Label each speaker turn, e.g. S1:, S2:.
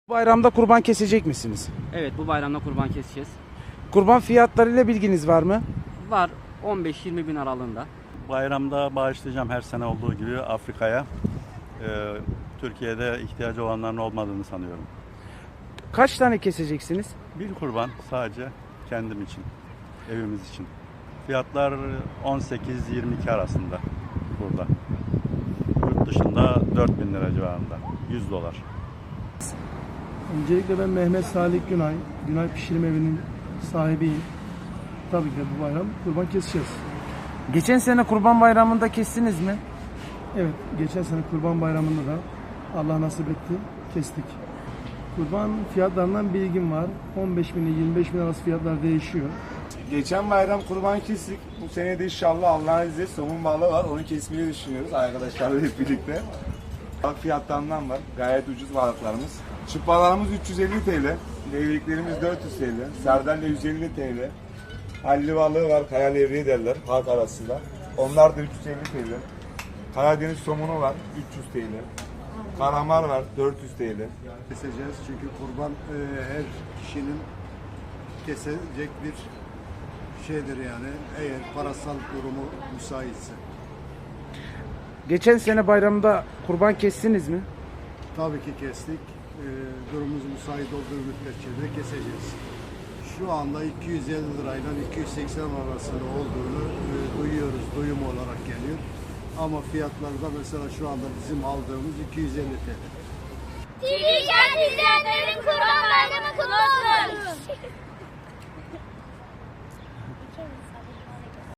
S1: Bayramda kurban kesecek misiniz?
S2: Evet, bu bayramda kurban keseceğiz.
S1: Kurban fiyatlarıyla bilginiz var mı?
S2: Var 15-20 bin aralığında.
S3: Bayramda bağışlayacağım her sene olduğu gibi Afrika'ya. Türkiye'de ihtiyacı olanların olmadığını sanıyorum.
S1: Kaç tane keseceksiniz?
S3: Bir kurban sadece kendim için, evimiz için. Fiyatlar 18-22 arasında burada. Yurt dışında 4.000 lira civarında, $100.
S4: Öncelikle ben Mehmet Salih Günay, Günay Pişirim Evi'nin sahibiyim. Tabii ki de bu bayram kurban keseceğiz.
S1: Geçen sene kurban bayramında kestiniz mi?
S4: Evet, geçen sene kurban bayramında da Allah nasip etti, kestik. Kurban fiyatlarından bilgim var. 15 bin ile 25 bin arası fiyatlar değişiyor.
S5: Geçen bayram kurban kestik. Bu sene de inşallah Allah'ın izniyle somun balığı var. Onu kesmeyi düşünüyoruz arkadaşlarla hep birlikte. Balık fiyatlarından var. Gayet ucuz balıklarımız. Çıplalarımız 350 TL. Levreklerimiz 400 TL. Sardalya 150 TL. Halli balığı var. Kaya levreği derler halk arasında. Onlar da 350 TL. Karadeniz somunu var 300 TL. Kalamar var 400 TL.
S6: Keseceğiz çünkü kurban her kişinin kesecek bir şeydir yani eğer parasal durumu müsaitse.
S1: Geçen sene bayramda kurban kestiniz mi?
S6: Tabii ki kestik. Durumumuz müsait olduğu müddetçe de keseceğiz. Şu anda 250 lirayla 280 arasında olduğunu duyuyoruz, duyum olarak geliyor. Ama fiyatlarda mesela şu anda bizim aldığımız 250 TL.
S7: TV izleyenlerin Kurban Bayramı kutlu olsun.